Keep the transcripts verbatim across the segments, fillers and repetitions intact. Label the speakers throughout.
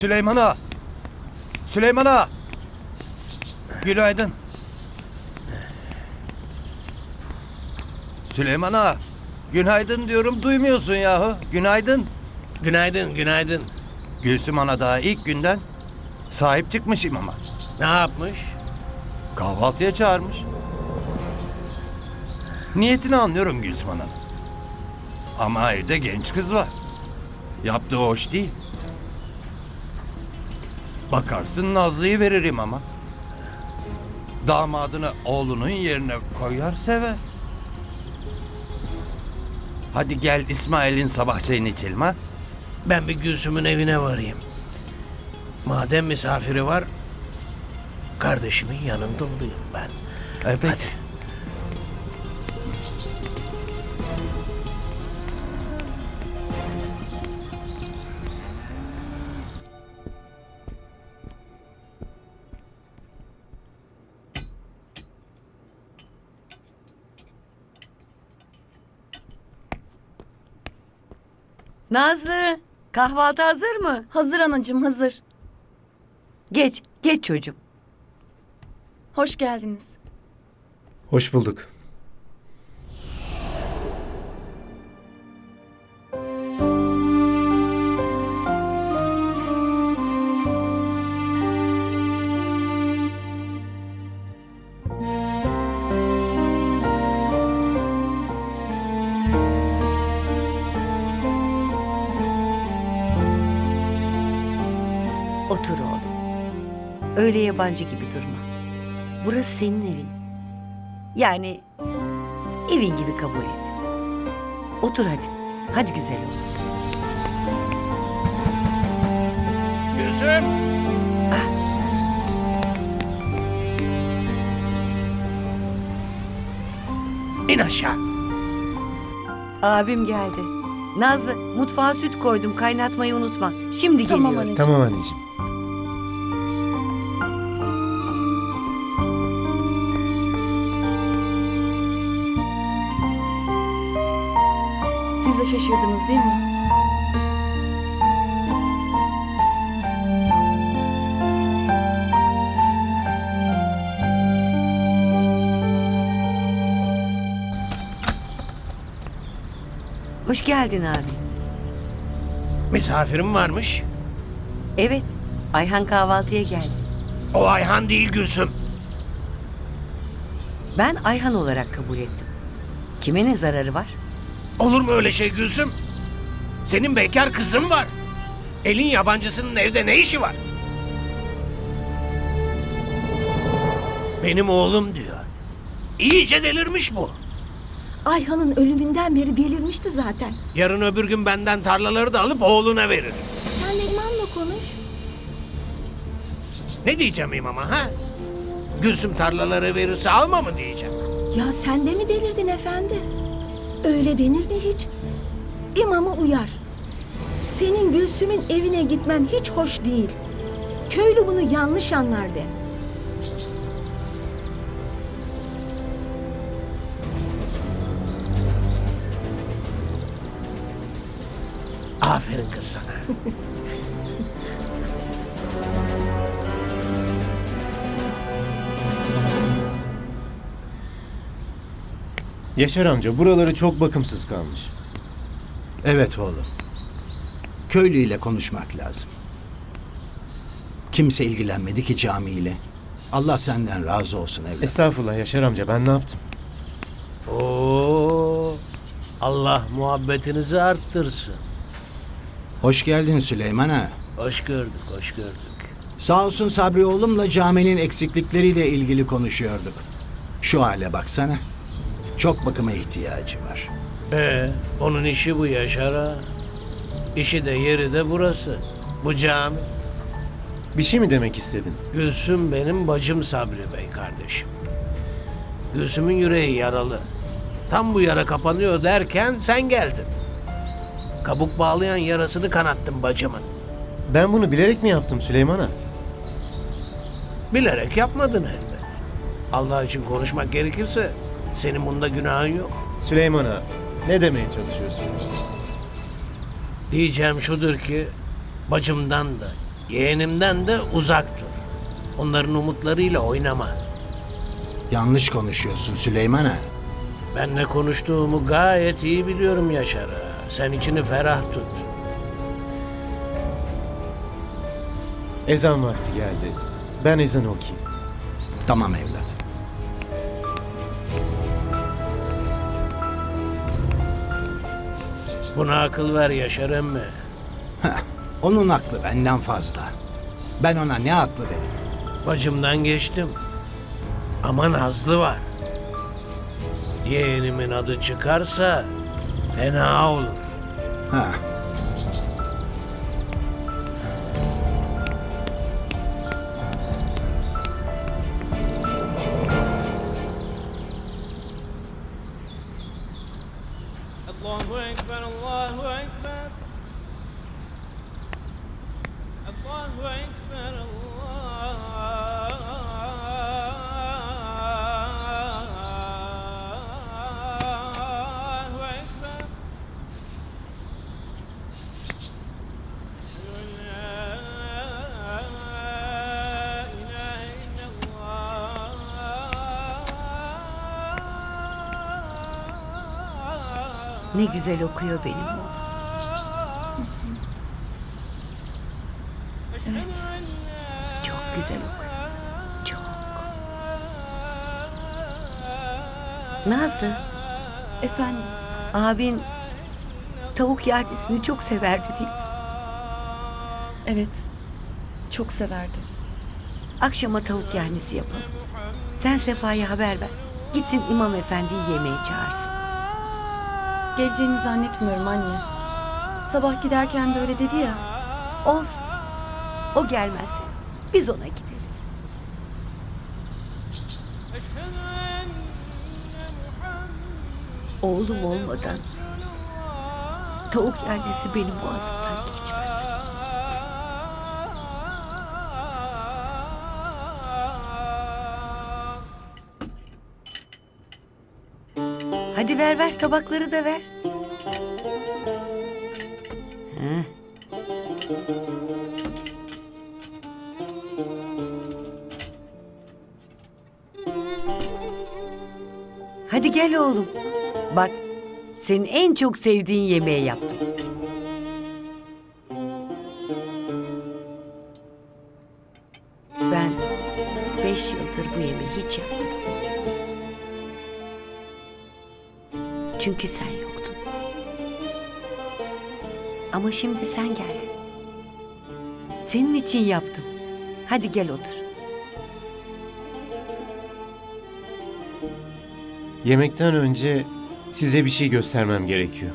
Speaker 1: Süleyman Ağa! Süleyman Ağa! Günaydın. Süleyman Ağa! Günaydın diyorum, duymuyorsun yahu. Günaydın.
Speaker 2: Günaydın, günaydın.
Speaker 1: Gülsüm Ana daha ilk günden sahip çıkmış imama.
Speaker 2: Ne yapmış?
Speaker 1: Kahvaltıya çağırmış. Niyetini anlıyorum Gülsüm Ana. Ama evde genç kız var. Yaptığı hoş değil. Bakarsın Nazlı'yı veririm ama. Damadını oğlunun yerine koyar sever. Hadi gel İsmail'in sabah çayını içelim ha.
Speaker 2: Ben bir Gülsüm'ün evine varayım. Madem misafiri var, kardeşimin yanında olayım ben.
Speaker 1: E, peki.
Speaker 2: Hadi.
Speaker 3: Nazlı, kahvaltı hazır mı?
Speaker 4: Hazır anacığım, hazır.
Speaker 3: Geç, geç çocuğum.
Speaker 4: Hoş geldiniz.
Speaker 5: Hoş bulduk.
Speaker 3: Otur oğlum. Öyle yabancı gibi durma. Burası senin evin. Yani evin gibi kabul et. Otur hadi. Hadi güzel oğlum.
Speaker 2: Gülsüm! İn aşağı.
Speaker 3: Abim geldi. Nazlı, mutfağa süt koydum. Kaynatmayı unutma. Şimdi
Speaker 4: Tamam
Speaker 3: geliyor.
Speaker 4: anneciğim.
Speaker 5: Tamam anneciğim.
Speaker 4: Siz de şaşırdınız değil mi?
Speaker 3: Hoş geldin abi.
Speaker 2: Misafirim varmış.
Speaker 3: Evet, Ayhan kahvaltıya geldi.
Speaker 2: O Ayhan değil Gülsüm.
Speaker 3: Ben Ayhan olarak kabul ettim. Kime ne zararı var?
Speaker 2: Olur mu öyle şey Gülsüm? Senin bekar kızın var. Elin yabancısının evde ne işi var? Benim oğlum diyor. İyice delirmiş bu.
Speaker 6: Ayhan'ın ölümünden beri delirmişti zaten.
Speaker 2: Yarın öbür gün benden tarlaları da alıp oğluna verir.
Speaker 6: Sen Neriman'la konuş.
Speaker 2: Ne diyeceğim imama ha? Gülsüm tarlaları verirse alma mı diyeceğim?
Speaker 6: Ya sen de mi delirdin efendi? Öyle denir mi hiç? İmamı uyar. Senin Gülsüm'ün evine gitmen hiç hoş değil. Köylü bunu yanlış anlar de.
Speaker 2: Aferin kız sana.
Speaker 5: Yaşar amca buraları çok bakımsız kalmış.
Speaker 7: Evet oğlum. Köylüyle konuşmak lazım. Kimse ilgilenmedi ki camiyle. Allah senden razı olsun evlat.
Speaker 5: Estağfurullah Yaşar amca, ben ne yaptım?
Speaker 2: Oo, Allah muhabbetinizi arttırsın.
Speaker 7: Hoş geldin Süleyman ağa.
Speaker 2: Hoş gördük, hoş gördük.
Speaker 7: Sağ olsun Sabri oğlumla caminin eksiklikleriyle ilgili konuşuyorduk. Şu hale baksana. Çok bakıma ihtiyacı var.
Speaker 2: Ee, onun işi bu Yaşar ağa. İşi de yeri de burası. Bu cami.
Speaker 5: Bir şey mi demek istedin?
Speaker 2: Gülsüm benim bacım Sabri Bey kardeşim. Gülsüm'ün yüreği yaralı. Tam bu yara kapanıyor derken sen geldin. Kabuk bağlayan yarasını kanattın bacımın.
Speaker 5: Ben bunu bilerek mi yaptım Süleyman ağa?
Speaker 2: Bilerek yapmadın elbet. Allah için konuşmak gerekirse senin bunda günahın yok.
Speaker 5: Süleyman ağa, ne demeye çalışıyorsun?
Speaker 2: Diyeceğim şudur ki bacımdan da Yeğenimden de uzak dur. Onların umutlarıyla oynama.
Speaker 7: Yanlış konuşuyorsun Süleyman Ağa.
Speaker 2: Ben ne konuştuğumu gayet iyi biliyorum Yaşar ağa. Sen içini ferah tut.
Speaker 5: Ezan vakti geldi. Ben ezanı okuyayım.
Speaker 7: Tamam evlat.
Speaker 2: Buna akıl ver Yaşar emmi.
Speaker 7: Onun aklı benden fazla. Ben ona ne aklı vereyim?
Speaker 2: Bacımdan geçtim. Ama Nazlı var. Yeğenimin adı çıkarsa fena olur.
Speaker 7: Ha.
Speaker 8: Allahu Ekber, Allahu Ekber. Allahu Ekber, Allahu Ekber. Eşhedü en la ilahe illallah.
Speaker 3: Ne güzel okuyor benim oğlum.
Speaker 4: Evet.
Speaker 3: Çok güzel okuyor. Çok. Nazlı,
Speaker 4: Efendim,
Speaker 3: abin tavuk yahnisini çok severdi değil mi?
Speaker 4: evet. Çok severdi.
Speaker 3: Akşama tavuk yahnisi yapalım. Sen Sefa'ya haber ver. Gitsin İmam Efendi'yi yemeğe çağırsın.
Speaker 4: Geleceğini zannetmiyorum anne. Sabah giderken de öyle dedi ya.
Speaker 3: Olsun. O gelmezse biz ona gideriz.
Speaker 8: Eşhedü enne Muhammed
Speaker 3: Oğlum olmadan tavuk yahnisi benim boğazımdan geçmez. Hadi ver ver tabakları da ver. Heh. Hadi gel oğlum. Bak, senin en çok sevdiğin yemeği yaptım. Ben beş yıldır bu yemeği hiç yapmadım. Çünkü sen yoktun. Ama şimdi sen geldin. Senin için yaptım. Hadi gel otur.
Speaker 5: Yemekten önce size bir şey göstermem gerekiyor.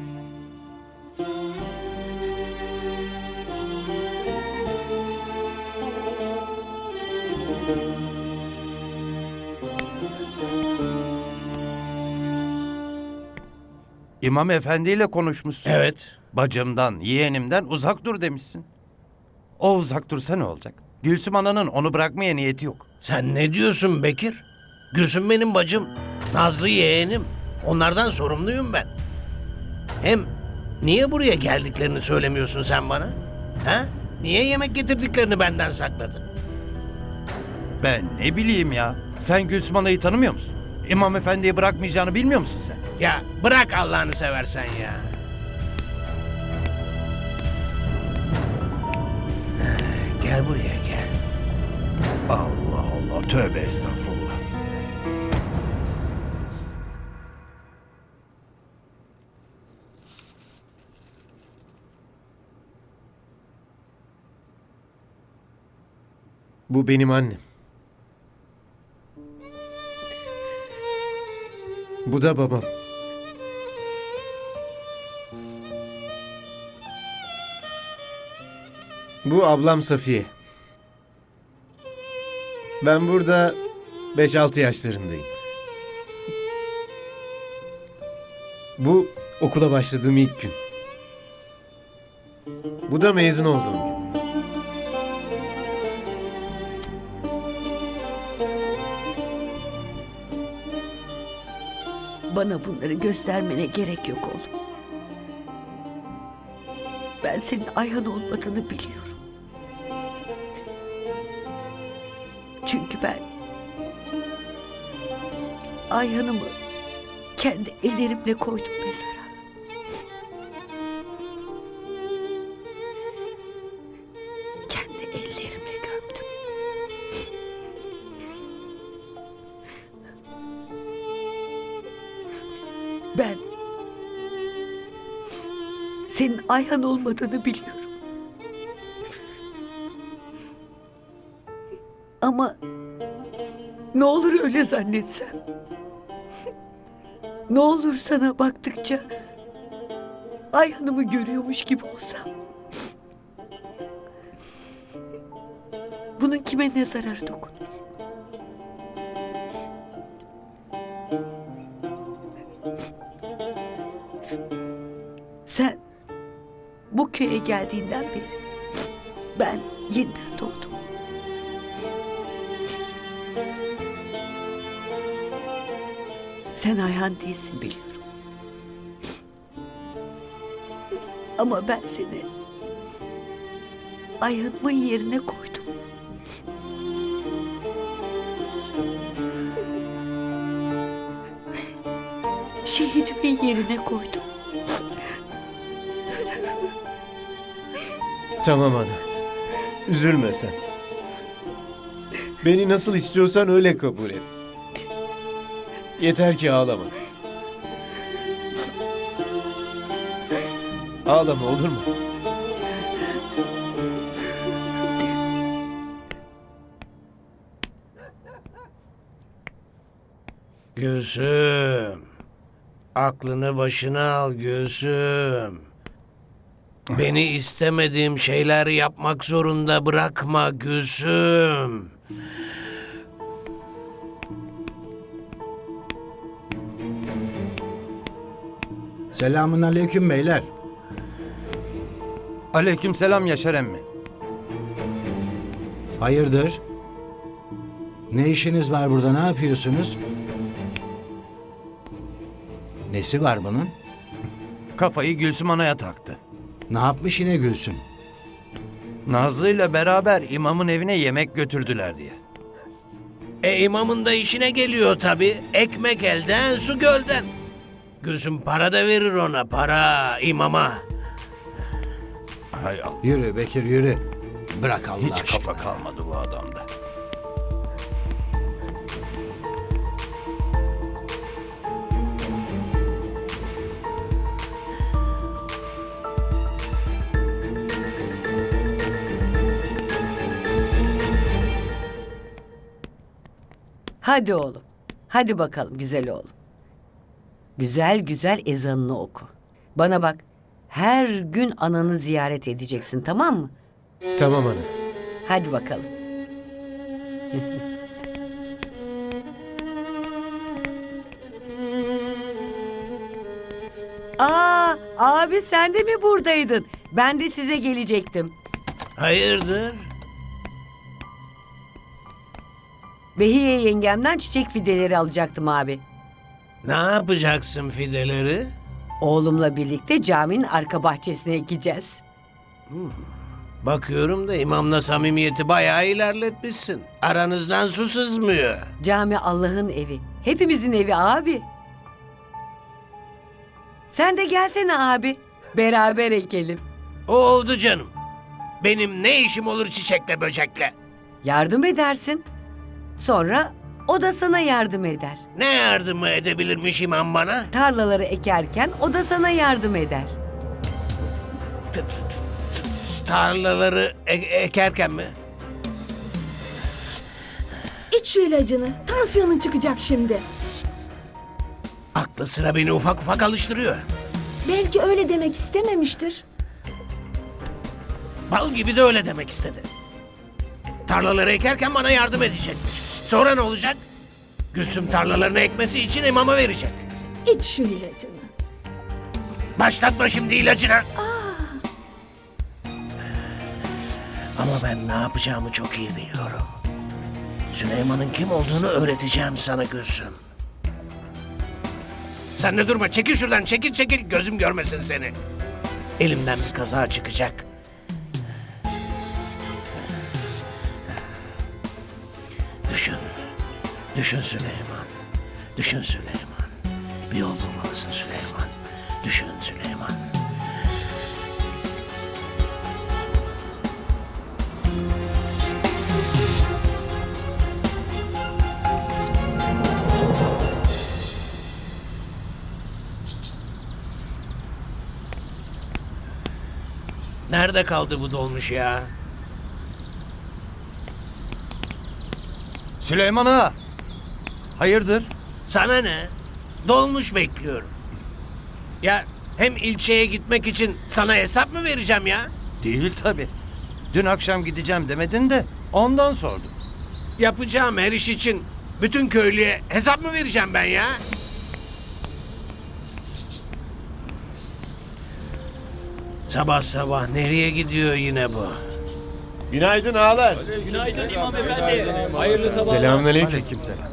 Speaker 1: İmam Efendi ile konuşmuşsun.
Speaker 2: Evet.
Speaker 1: Bacımdan, yeğenimden uzak dur demişsin. O uzak dursa ne olacak? Gülsüm Ana'nın onu bırakmaya niyeti yok.
Speaker 2: Sen ne diyorsun Bekir? Gülsüm benim bacım. Nazlı yeğenim. Onlardan sorumluyum ben. Hem niye buraya geldiklerini söylemiyorsun sen bana? Ha? Niye yemek getirdiklerini benden sakladın?
Speaker 1: Ben ne bileyim ya. Sen Gülsüm Ana'yı tanımıyor musun? İmam Efendi'yi bırakmayacağını bilmiyor musun sen?
Speaker 2: Ya bırak Allah'ını seversen ya. Gel buraya gel.
Speaker 1: Allah Allah, tövbe estağfurullah.
Speaker 5: Bu benim annem. Bu da babam. Bu ablam Safiye. Ben burada beş altı yaşlarındayım. Bu okula başladığım ilk gün. Bu da mezun olduğum gün.
Speaker 3: Bana bunları göstermene gerek yok oğlum. Ben senin Ayhan olmadığını biliyorum. Çünkü ben Ayhan'ımı kendi ellerimle koydum mezara. Kendi ellerimle gömdüm. Ben senin Ayhan olmadığını biliyorum. Ama ne olur öyle zannetsem. Ne olur sana baktıkça Ayhan'ımı görüyormuş gibi olsam. Bunun kime ne zararı dokunur? Sen bu köye geldiğinden beri ben yeniden doğdum. Sen Ayhan değilsin biliyorum. Ama ben seni Ayhan'ımın yerine koydum. Şehidimin yerine koydum.
Speaker 5: Tamam ana. Üzülme sen. Beni nasıl istiyorsan öyle kabul et. Yeter ki ağlama. Ağlama olur mu?
Speaker 2: Gülsüm. Aklını başına al Gülsüm. Beni istemediğim şeyler yapmak zorunda bırakma Gülsüm.
Speaker 7: Selamun aleyküm beyler.
Speaker 1: Aleykümselam Yaşar emmi.
Speaker 7: Hayırdır? Ne işiniz var burada, ne yapıyorsunuz? Nesi var bunun?
Speaker 1: Kafayı Gülsüm Ana'ya taktı.
Speaker 7: Ne yapmış yine Gülsüm?
Speaker 1: Nazlı ile beraber imamın evine yemek götürdüler diye.
Speaker 2: E imamın da işine geliyor tabii. Ekmek elden, su gölden. Gülsüm para da verir ona, para imama.
Speaker 1: Hay Allah.
Speaker 7: Yürü Bekir yürü. Bırak Allah
Speaker 1: Hiç
Speaker 7: aşkına.
Speaker 1: kafa kalmadı bu adamda.
Speaker 3: Hadi oğlum. Hadi bakalım güzel oğlum. Güzel güzel ezanını oku. Bana bak. Her gün ananı ziyaret edeceksin, tamam mı?
Speaker 5: Tamam ana.
Speaker 3: Hadi bakalım. Aa, abi sen de mi buradaydın? Ben de size gelecektim.
Speaker 2: Hayırdır?
Speaker 3: Behiye yengemden çiçek fideleri alacaktım abi.
Speaker 2: Ne yapacaksın fideleri?
Speaker 3: Oğlumla birlikte caminin arka bahçesine ekeceğiz.
Speaker 2: Bakıyorum da imamla samimiyeti bayağı ilerletmişsin. Aranızdan su sızmıyor.
Speaker 3: Cami Allah'ın evi. Hepimizin evi abi. Sen de gelsene abi. Beraber ekelim.
Speaker 2: Oldu canım. Benim ne işim olur çiçekle böcekle?
Speaker 3: Yardım edersin. Sonra o da sana yardım eder.
Speaker 2: Ne yardımı edebilirmiş imam bana?
Speaker 3: Tarlaları ekerken o da sana yardım eder.
Speaker 2: T- t- t- t- Tarlaları e- ekerken mi?
Speaker 6: İç şu ilacını. Tansiyonun çıkacak şimdi.
Speaker 2: Aklı sıra beni ufak ufak alıştırıyor.
Speaker 6: Belki öyle demek istememiştir.
Speaker 2: Bal gibi de öyle demek istedi. Tarlaları ekerken bana yardım edecekmiş. Sonra ne olacak? Gülsüm tarlalarını ekmesi için imama verecek.
Speaker 6: İç şu ilacını.
Speaker 2: Başlatma şimdi ilacına. Ama ben ne yapacağımı çok iyi biliyorum. Süleyman'ın kim olduğunu öğreteceğim sana Gülsüm. Sen de durma, çekil şuradan, çekil çekil, gözüm görmesin seni. Elimden bir kaza çıkacak. Düşün Süleyman. Düşün Süleyman. Bir yol bulmalısın Süleyman. Düşün Süleyman. Nerede kaldı bu dolmuş ya?
Speaker 1: Süleyman Ağa. Hayırdır?
Speaker 2: Sana ne? Dolmuş bekliyorum. Ya hem ilçeye gitmek için sana hesap mı vereceğim ya?
Speaker 1: Değil tabii. Dün akşam gideceğim demedin de ondan sordum.
Speaker 2: Yapacağım her iş için bütün köylüye hesap mı vereceğim ben ya? Sabah sabah nereye gidiyor yine bu?
Speaker 5: Günaydın ağalar.
Speaker 8: Günaydın İmam Efendi. Hayırlı sabahlar.
Speaker 5: Selamünaleyküm.
Speaker 1: Aleykümselam.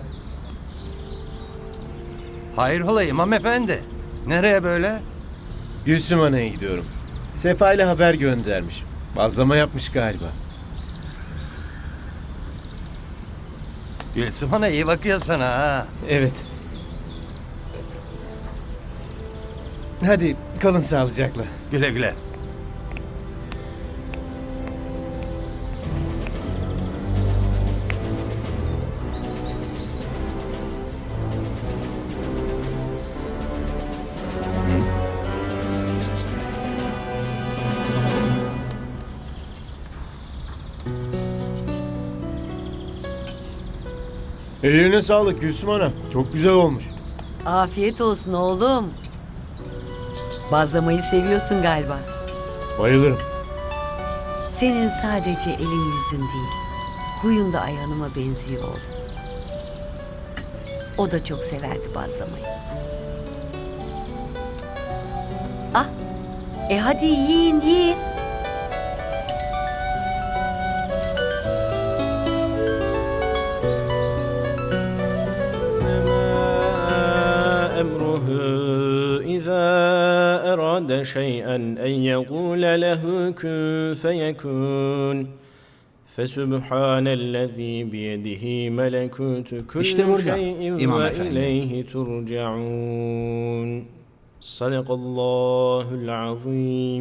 Speaker 1: Hayrola İmam Efendi? Nereye böyle?
Speaker 5: Gülsüm Ana'ya gidiyorum. Sefa ile haber göndermiş. Bazlama yapmış galiba.
Speaker 1: Gülsüm Ana iyi bakıyor sana ha.
Speaker 5: Evet. Hadi kalın sağlıcakla.
Speaker 1: Güle güle.
Speaker 5: Eline sağlık Gülsüm Ana. Çok güzel olmuş.
Speaker 3: Afiyet olsun oğlum. Bazlamayı seviyorsun galiba.
Speaker 5: Bayılırım.
Speaker 3: Senin sadece elin yüzün değil, huyun da Ayhan'ıma benziyor oğlum. O da çok severdi bazlamayı. Ah, e hadi yiyin yiyin.
Speaker 8: أمره إذا أراد شيئا أن يقول له كن فيكون فسبحان الذي بيده ملكوت كل
Speaker 7: İşte burada,
Speaker 8: شيء
Speaker 7: İmam Efendi.
Speaker 8: وإليه ترجعون صدق الله العظيم.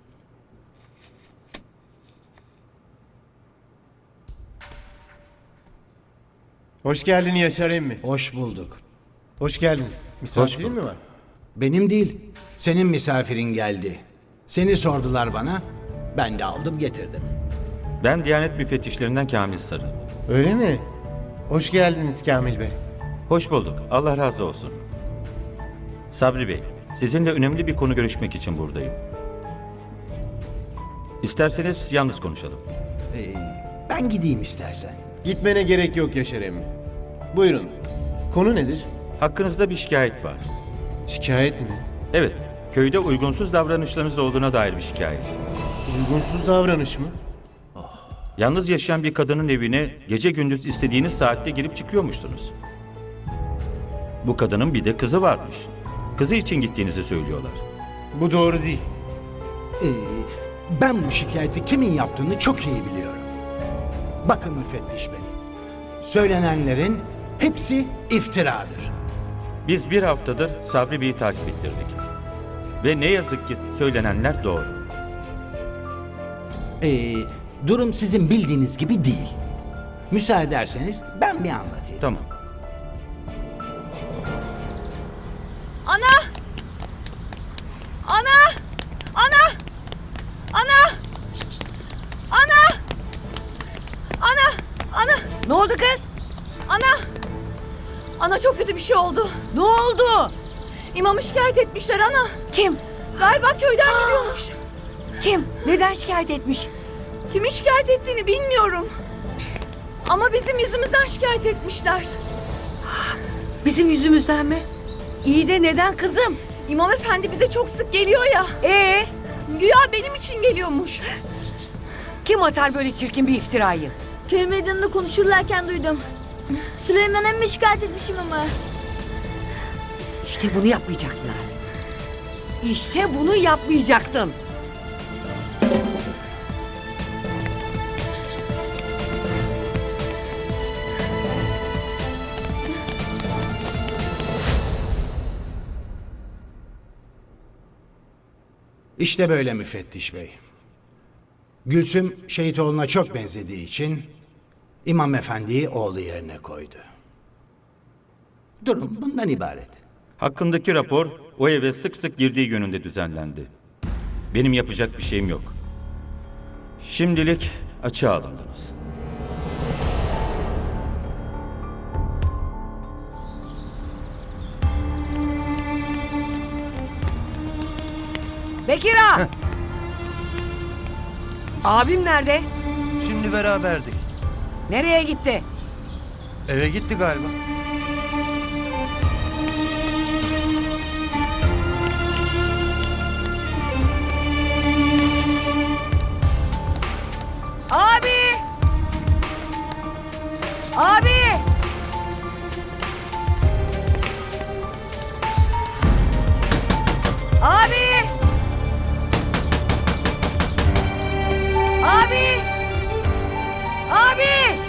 Speaker 5: Hoş geldin Yaşar emmi.
Speaker 7: Hoş bulduk.
Speaker 5: Hoş geldiniz. Misafirin mi var?
Speaker 7: Benim değil, senin misafirin geldi. Seni sordular bana, ben de aldım getirdim.
Speaker 9: Ben Diyanet Müfettişlerinden Kamil Sarı.
Speaker 5: Öyle mi? Hoş geldiniz Kamil Bey.
Speaker 9: Hoş bulduk. Allah razı olsun. Sabri Bey, sizinle önemli bir konu görüşmek için buradayım. İsterseniz yalnız konuşalım.
Speaker 7: Ee, ben gideyim istersen.
Speaker 5: Gitmene gerek yok Yaşar emmi. Buyurun. Konu nedir?
Speaker 9: Hakkınızda bir şikayet var.
Speaker 5: Şikayet mi?
Speaker 9: Evet, köyde uygunsuz davranışlarınız olduğuna dair bir şikayet.
Speaker 5: Uygunsuz davranış mı?
Speaker 9: Yalnız yaşayan bir kadının evine gece gündüz istediğiniz saatte girip çıkıyormuşsunuz. Bu kadının bir de kızı varmış. Kızı için gittiğinizi söylüyorlar.
Speaker 5: Bu doğru değil.
Speaker 7: Ee, ben bu şikayeti kimin yaptığını çok iyi biliyorum. Bakın müfettiş bey, söylenenlerin hepsi iftiradır.
Speaker 9: Biz bir haftadır Sabri Bey'i takip ettirdik. Ve ne yazık ki söylenenler doğru.
Speaker 7: Ee, durum sizin bildiğiniz gibi değil. Müsaade ederseniz ben bir anlatayım.
Speaker 9: Tamam.
Speaker 4: Ana! Ana! Ana! Ana! Ana! Ana! Ana!
Speaker 3: Ne oldu kız?
Speaker 4: Ana! Ana çok kötü bir şey oldu.
Speaker 3: Ne oldu?
Speaker 4: İmamı şikayet etmişler ana.
Speaker 3: Kim?
Speaker 4: Galiba köyden geliyormuş.
Speaker 3: Kim? Neden şikayet etmiş?
Speaker 4: Kimin şikayet ettiğini bilmiyorum. Ama bizim yüzümüzden şikayet etmişler.
Speaker 3: Bizim yüzümüzden mi? İyi de neden kızım?
Speaker 4: İmam efendi bize çok sık geliyor ya.
Speaker 3: Ee,
Speaker 4: Güya benim için geliyormuş.
Speaker 3: kim atar böyle çirkin bir iftirayı?
Speaker 6: Köy meydanında konuşurlarken duydum. Süleyman emmi şikayet etmişim ama.
Speaker 3: İşte bunu yapmayacaklar. İşte bunu yapmayacaktın.
Speaker 7: İşte böyle müfettiş bey. Gülsüm şehit oğluna çok benzediği için İmam Efendi'yi oğlu yerine koydu. Durum bundan ibaret.
Speaker 9: Hakkındaki rapor o eve sık sık girdiği yönünde düzenlendi. Benim yapacak bir şeyim yok. Şimdilik açığa alındınız.
Speaker 3: Bekir ağa! Abim nerede?
Speaker 1: Şimdi beraberdik.
Speaker 3: Nereye gitti?
Speaker 1: Eve gitti galiba.
Speaker 3: Abi! Abi! Abi! Abi! Abi!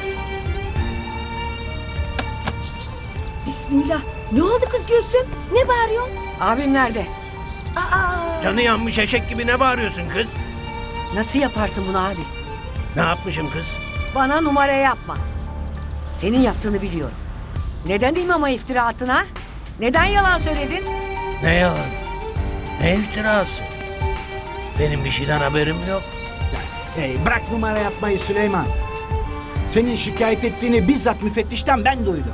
Speaker 6: Bismillah. Ne oldu kız Gülsüm? Ne bağırıyorsun?
Speaker 3: Abim nerede?
Speaker 6: Aa,
Speaker 2: Canı yanmış eşek gibi ne bağırıyorsun kız?
Speaker 3: Nasıl yaparsın bunu abi?
Speaker 2: Ne yapmışım kız?
Speaker 3: Bana numara yapma. Senin yaptığını biliyorum. Neden imama iftira attın ha? Neden yalan söyledin?
Speaker 2: Ne yalan? Ne iftirası? Benim bir şeyden haberim yok.
Speaker 7: Hey, bırak numara yapmayı Süleyman. Senin şikayet ettiğini bizzat müfettişten ben duydum.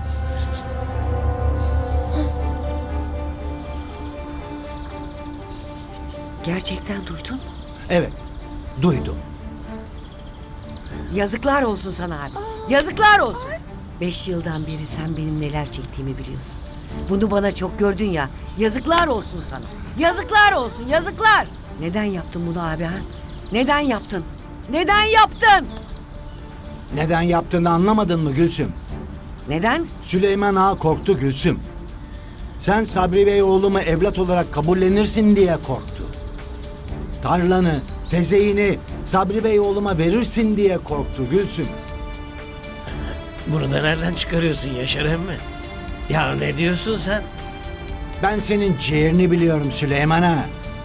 Speaker 3: Gerçekten duydun mu?
Speaker 7: Evet, duydum.
Speaker 3: Yazıklar olsun sana abi. Yazıklar olsun. Beş yıldan beri sen benim neler çektiğimi biliyorsun. Bunu bana çok gördün ya. Yazıklar olsun sana. Yazıklar olsun, yazıklar. Neden yaptın bunu abi ha? Neden yaptın? Neden yaptın?
Speaker 7: Neden yaptığını anlamadın mı Gülsüm?
Speaker 3: Neden?
Speaker 7: Süleyman Ağa korktu Gülsüm. Sen Sabri Bey oğlumu evlat olarak kabullenirsin diye korktu. Tarlanı, tezeyini Sabri Bey oğluma verirsin diye korktu Gülsüm.
Speaker 2: Bunu da nereden çıkarıyorsun Yaşar emmi? Ya ne diyorsun sen?
Speaker 7: Ben senin ciğerini biliyorum Süleyman Ağa.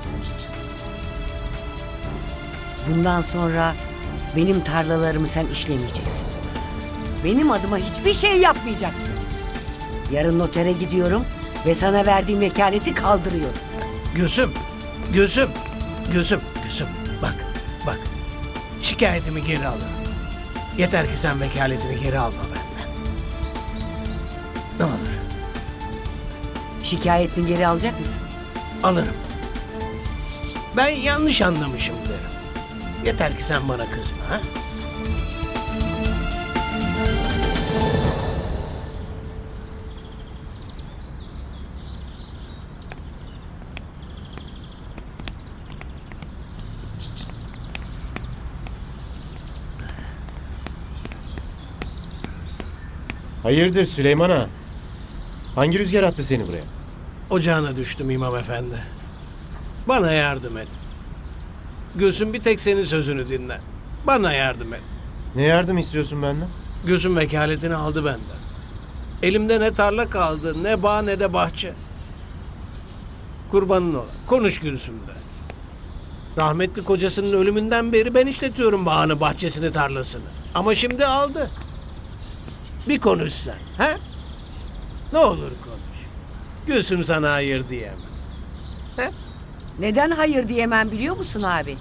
Speaker 3: Bundan sonra benim tarlalarımı sen işlemeyeceksin. Benim adıma hiçbir şey yapmayacaksın. Yarın notere gidiyorum ve sana verdiğim vekaleti kaldırıyorum.
Speaker 2: Gülsüm, Gülsüm, Gülsüm, Gülsüm. Bak, bak. Şikayetimi geri alırım. Yeter ki sen vekaletini geri alma benden. Ne olur,
Speaker 3: Şikayetini geri alacak mısın?
Speaker 2: alırım. Ben yanlış anlamışım derim. Yeter ki sen bana kızma ha.
Speaker 5: Hayırdır Süleyman Ağa? Hangi rüzgar attı seni buraya?
Speaker 2: Ocağına düştüm imam efendi. Bana yardım et. Gülsüm bir tek senin sözünü dinler. Bana yardım et.
Speaker 5: Ne yardım istiyorsun benden?
Speaker 2: Gülsüm vekaletini aldı benden. Elimde ne tarla kaldı, ne bağ ne de bahçe. Kurbanın ola. Konuş Gülsüm'le. Rahmetli kocasının ölümünden beri ben işletiyorum bağını, bahçesini, tarlasını. Ama şimdi aldı. Bir konuş sen, he? Ne olur konuş. Gülsüm sana hayır diyemem. He?
Speaker 3: Neden hayır diyemem biliyor musun abi?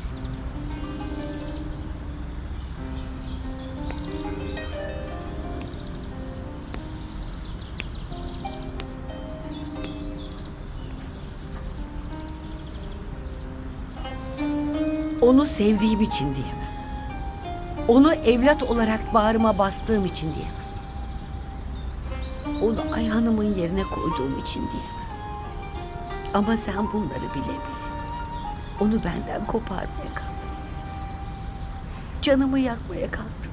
Speaker 3: Onu sevdiğim için diyemem. Onu evlat olarak bağrıma bastığım için diyemem. Onu ayağımın yerine koyduğum için diyemem. Ama sen bunları bile bile onu benden koparmaya kalktın. Canımı yakmaya kalktın.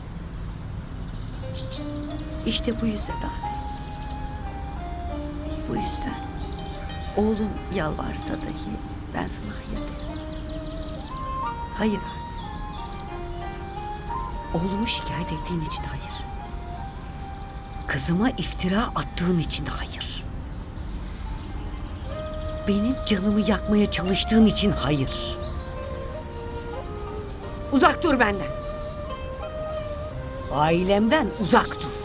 Speaker 3: İşte bu yüzden abi. Bu yüzden oğlum yalvarsa dahi ben sana hayır derim. Hayır abi. Oğlumu şikayet ettiğin için hayır. Kızıma iftira attığın için hayır. Benim canımı yakmaya çalıştığın için hayır. Uzak dur benden. Ailemden uzak dur.